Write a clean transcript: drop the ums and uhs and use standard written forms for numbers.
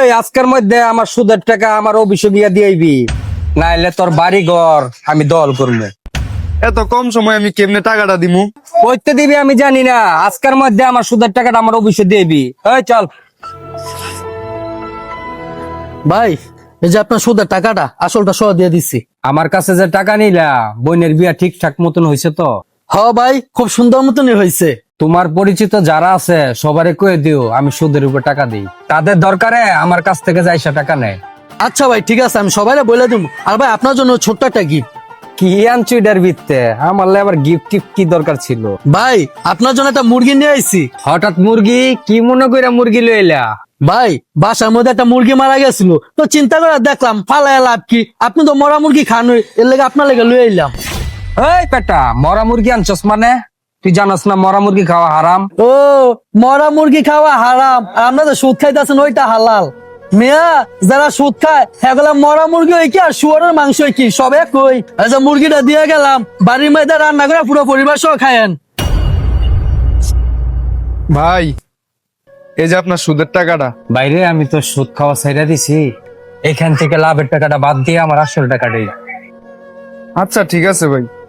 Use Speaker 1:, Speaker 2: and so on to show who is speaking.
Speaker 1: আজকের মধ্যে আমার সুদের টাকা আমার অভিযোগ দিয়েবি, নাইলে তোর বাড়ি ঘর আমি দল করবো।
Speaker 2: এত কম সময় আমি কেমনে টাকাটা দিমু?
Speaker 1: কইতে দিবি আমি জানি না, আজকের মধ্যে আমার সুদের টাকাটা আমার অভিযোগ দিবি। এই চল।
Speaker 3: ভাই এই যে আপনার সুদের টাকাটা আসলটা সহ দিয়ে দিচ্ছি।
Speaker 1: আমার কাছে যে টাকা নিলা, বোনের বিয়া ঠিকঠাক মতন হয়েছে তো?
Speaker 3: হ ভাই, খুব সুন্দর মতনই হয়েছে।
Speaker 1: তোমার পরিচিত যারা আছে সবারে কয়ে দিও আমি সুদের উপর টাকা দিই, তাদের দরকারে আমার কাছ থেকে যাইসা টাকা নেয়।
Speaker 3: আচ্ছা ভাই ঠিক আছে, আমি সবাই বলে দিব। আর ভাই আপনার জন্য ছোট্ট একটা গিফট।
Speaker 1: কি আনছো এটার ভিত্তে? আমার আবার গিফট টিফট কি দরকার ছিল?
Speaker 3: ভাই আপনার জন্য একটা মুরগি নিয়ে আইছি।
Speaker 1: হঠাৎ মুরগি? কি মনে কইরা মুরগি লইলা?
Speaker 3: ভাই বাসার মধ্যে একটা মুরগি মারা গেছিল, তো চিন্তা করে দেখলাম ফালায় লাভ কি, আপনি তো মরা মুরগি খান, এর লেগে আপনার লেগে লুয়ে এলাম।
Speaker 1: এই পেটা, মরা মুরগি আনছস মানে? তুই জানাস না মরা মুরগি খাওয়া হারাম?
Speaker 3: ও, মরা মুরগি খাওয়া হারাম আর আপনারা তো সুদ খাইতেছেন ওইটা হালাল। মিয়া, যারা সুদ খায় সেগুলা মরা মুরগি হয় কি আর শুয়ারের মাংস হয় কি, সব এক কই। আচ্ছা মুরগিটা দিয়ে গেলাম, বাড়ির মধ্যে রান্না করে পুরো পরিবার সহ খায়েন।
Speaker 2: ভাই এই যে আপনার সুদের টাকাটা।
Speaker 1: বাইরে আমি তো সুদ খাওয়া ছাইড়া দিছি, এখান থেকে লাভের টাকাটা বাদ দিয়ে আমার আসল টাকাটাই।
Speaker 2: আচ্ছা ঠিক আছে ভাই।